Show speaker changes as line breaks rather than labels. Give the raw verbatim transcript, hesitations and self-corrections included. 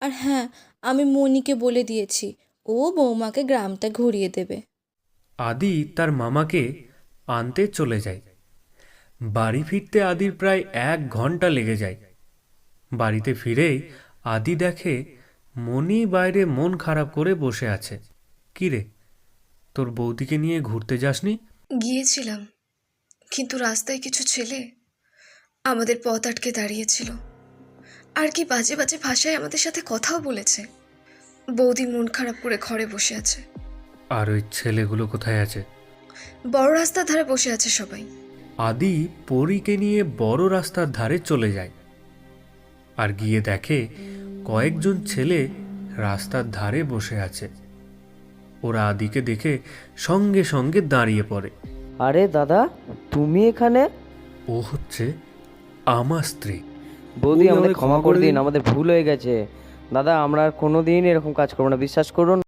আর হ্যাঁ, আমি মনিকে বলে দিয়েছি, ও বৌমাকে গ্রামটা ঘুরিয়ে দেবে।
আদি তার মামাকে আনতে চলে যায়। বাড়ি ফিরতে আদির প্রায় এক ঘন্টা লেগে যায়। বাড়িতে ফিরেই আদি দেখে মনি বাইরে মন খারাপ করে বসে আছে। কি রে, তোর বৌদিকে নিয়ে ঘুরতে যাসনি?
গিয়েছিলাম, কিন্তু রাস্তায় কিছু ছেলে আমাদের পথ আটকে দাঁড়িয়েছিল, আর কি বাজে বাজে ভাষায় আমাদের সাথে কথাও বলেছে। বৌদি মন খারাপ করে ঘরে বসে আছে।
আর ওই ছেলেগুলো কোথায় আছে?
বড় রাস্তার ধারে বসে আছে সবাই।
আদি পরীকে নিয়ে বড় রাস্তার ধারে চলে যায় আর গিয়ে দেখে কয়েকজন ছেলে রাস্তার ধারে বসে আছে। ওরা আদিকে দেখে সঙ্গে সঙ্গে দাঁড়িয়ে পড়ে।
আরে দাদা, তুমি এখানে?
ও হচ্ছে আমার স্ত্রী।
বৌদি, আমাদের ক্ষমা করে দিন, আমাদের ভুল হয়ে গেছে। দাদা, আমরা আর কোনোদিন এরকম কাজ করবো না, বিশ্বাস করুন।